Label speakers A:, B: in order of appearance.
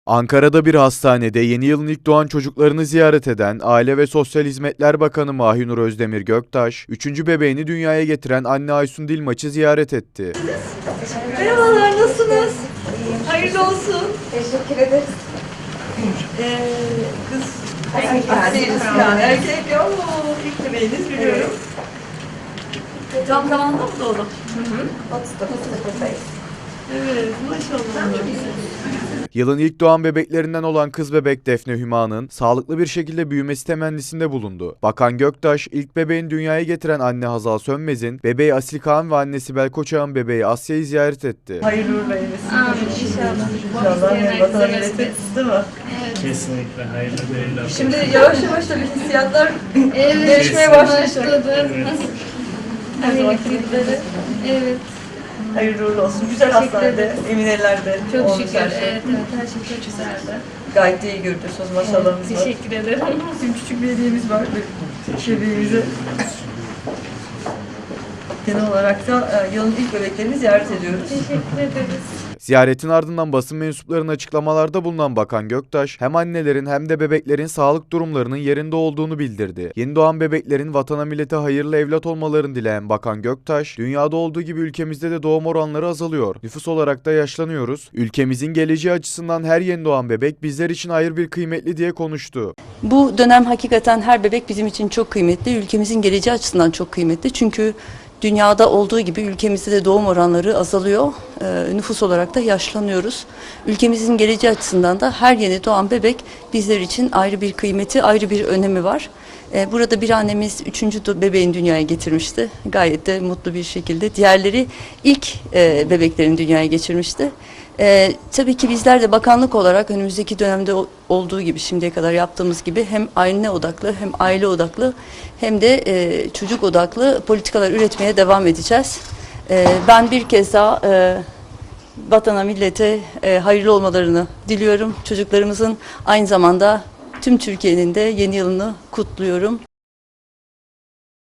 A: Ankara'da bir hastanede yeni yılın ilk doğan çocuklarını ziyaret eden Aile ve Sosyal Hizmetler Bakanı Mahinur Özdemir Göktaş, 3. bebeğini dünyaya getiren anne Aysun Dilmaç'ı ziyaret etti.
B: Merhabalar, nasılsınız? Hayırlı olsun.
C: Teşekkür ederiz.
B: Kız değiliz yani. Erkek yok. İlk bebeğiniz biliyorum. Tam zamanda mı doğdu?
C: 39'dayız.
B: Evet, maşallah.
A: Yılın ilk doğan bebeklerinden olan kız bebek Defne Hüma'nın sağlıklı bir şekilde büyümesi temennisinde bulundu. Bakan Göktaş, ilk bebeğini dünyaya getiren anne Hazal Sönmez'in, bebeği Asil Kağan ve annesi Belkoç Ağa'nın bebeği Asya'yı ziyaret etti.
B: Hayırlı uğurlu eylesin.
D: Amin inşallah.
B: İnşallah vatana millete değil mi?
E: Kesinlikle hayırlı değiller.
B: Şimdi yavaş yavaş da bir hissiyatlar
D: Evet,
B: değişmeye başlayacak.
D: başladı.
B: Her zamanki gibi.
D: Evet,
B: Hayırlı uğurlu olsun. Güzel hastanede, emin ellerde.
D: çok
B: olmuş
D: şükür.
B: her şey.
D: Evet, her şey çok güzeldi.
B: Gayet de iyi görünüyorsunuz. Maşallahınız var.
D: Teşekkür ederim.
B: Bizim küçük bir hediyemiz var bebeğimize. Genel olarak da yılın ilk bebeklerini ziyaret ediyoruz.
D: Teşekkür ederiz.
A: Ziyaretin ardından basın mensuplarının açıklamalarda bulunan Bakan Göktaş, hem annelerin hem de bebeklerin sağlık durumlarının yerinde olduğunu bildirdi. Yeni doğan bebeklerin vatana millete hayırlı evlat olmalarını dileyen Bakan Göktaş, dünyada olduğu gibi ülkemizde de doğum oranları azalıyor. Nüfus olarak da yaşlanıyoruz. Ülkemizin geleceği açısından her yeni doğan bebek bizler için ayrı bir kıymetli diye konuştu.
F: Bu dönem hakikaten her bebek bizim için çok kıymetli. Ülkemizin geleceği açısından çok kıymetli. Çünkü dünyada olduğu gibi ülkemizde de doğum oranları azalıyor. Nüfus olarak da yaşlanıyoruz. Ülkemizin geleceği açısından da her yeni doğan bebek bizler için ayrı bir kıymeti, ayrı bir önemi var. Burada bir annemiz 3. bebeğini dünyaya getirmişti. Gayet de mutlu bir şekilde. Diğerleri ilk bebeklerini dünyaya geçirmişti. Tabii ki bizler de bakanlık olarak önümüzdeki dönemde olduğu gibi şimdiye kadar yaptığımız gibi hem anne odaklı hem aile odaklı hem de çocuk odaklı politikalar üretmeye devam edeceğiz. Ben bir kez daha vatana millete hayırlı olmalarını diliyorum. Çocuklarımızın aynı zamanda tüm Türkiye'nin de yeni yılını kutluyorum.